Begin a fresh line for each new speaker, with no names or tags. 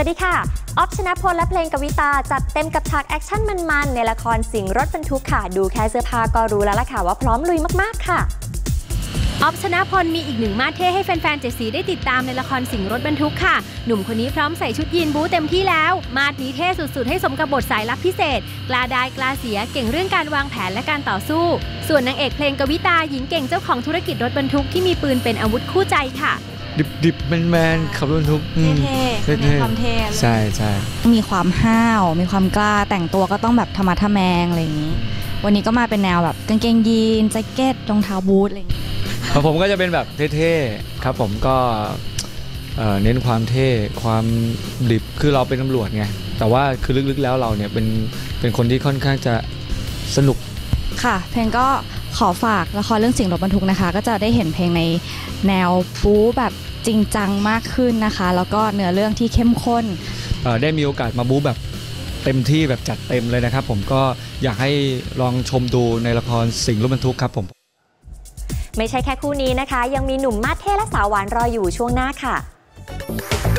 วัสดีค่ะออฟ ชนะพลและเพลงกวิตาจัดเต็มกับฉากแอคชั่นมันๆในละครสิงห์รถบรรทุกค่ะดูแค่เสื้อผ้าก็รู้แล้วล่ะค่ะว่าพร้อมลุยมากๆค่ะ
ออฟ ชนะพลมีอีกหนึ่งมาสเท่ให้แฟนๆเจ็ดสีได้ติดตามในละครสิงห์รถบรรทุกค่ะหนุ่มคนนี้พร้อมใส่ชุดยีนบู๊เต็มที่แล้วมาสนี้เท่สุดๆให้สมกับบทสายลับพิเศษกล้าได้กล้าเสียเก่งเรื่องการวางแผนและการต่อสู้ส่วนนางเอกเพลงกวิตาหญิงเก่งเจ้าของธุรกิจรถบรรทุกที่มีปืนเป็นอาวุธคู่ใจค่ะ
ดิบแมนขับรถบรรทุก
เท่มีความเท่
ใช่
มีความห้าวมีความกล้าแต่งตัวก็ต้องแบบธรรมะทแมงอะไรอย่างนี้วันนี้ก็มาเป็นแนวแบบกางเกงยีนแจ็คเก็ตรองเท้าบูทอะไรอย่างนี้
ผมก็จะเป็นแบบเท่ๆครับผมก็เน้นความเท่ความดิบคือเราเป็นตำรวจไงแต่ว่าคือลึกๆแล้วเราเนี่ยเป็นคนที่ค่อนข้างจะสนุก
ค่ะเพลงก็ขอฝากละครเรื่องสิงห์รถบรรทุกนะคะก็จะได้เห็นเพลงในแนวบู๊แบบจริงจังมากขึ้นนะคะแล้วก็เนื้อเรื่องที่เข้มข้น
ได้มีโอกาสมาบู๊แบบเต็มที่แบบจัดเต็มเลยนะครับผมก็อยากให้ลองชมดูในละครสิงห์รถบรรทุกครับผม
ไม่ใช่แค่คู่นี้นะคะยังมีหนุ่มมาสเท่และสาวหวานรออยู่ช่วงหน้าค่ะ